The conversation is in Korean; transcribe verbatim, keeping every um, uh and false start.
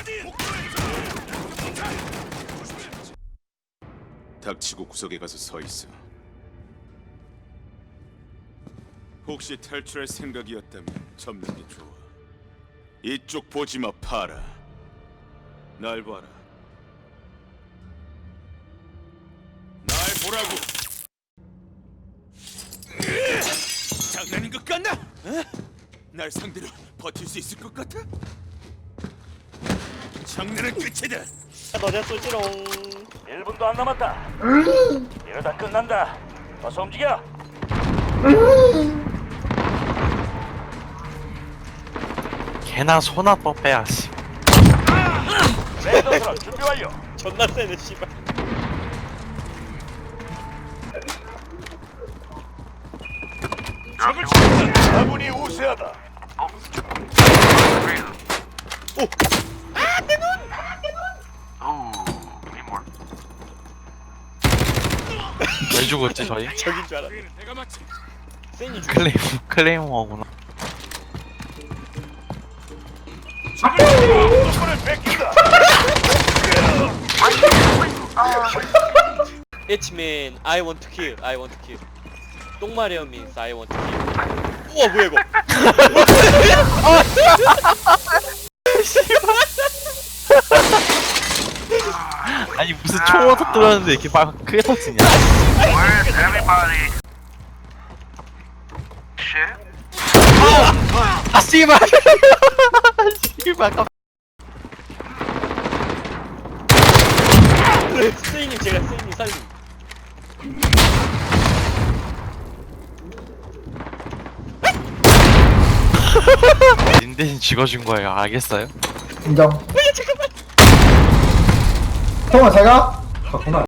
닥치고 구석에 가서 서 있어. 혹시 탈출할 생각이었다면 접는 게 좋아. 이쪽 보지 마, 파라. 날 봐라. 날 보라고. 장난인 것 같나? 어? 날 상대로 버틸 수 있을 것 같아? 장난은 끝이다. 너네 쏠지롱. 일 분도 안 남았다. 이러다 끝난다. 어서 움직여. 개나 소나 뻗빼야 씨. 레이더 트럭 준비 완료. 존나 세네 씨발. 적을 치는다. 아군이 우세하다. 왜 죽었지 저희? 저긴 줄 알아. 내가 맞지. 센이 죽. 클레임 클레이머구나. 손을 뺏긴다. Hman, I want to kill, I want to kill. 똥마려 means I want to kill. 우와 뭐야 이거? 아니 무슨 총으로 터뜨렸는데 이렇게 막 크게 터지냐? 아 씨발! 씨발 깜. 스테이님 제가 스테이님 살림. 님 대신 죽어준 거예요. 알겠어요? 인정. 형아, 잘 가? 갔구나.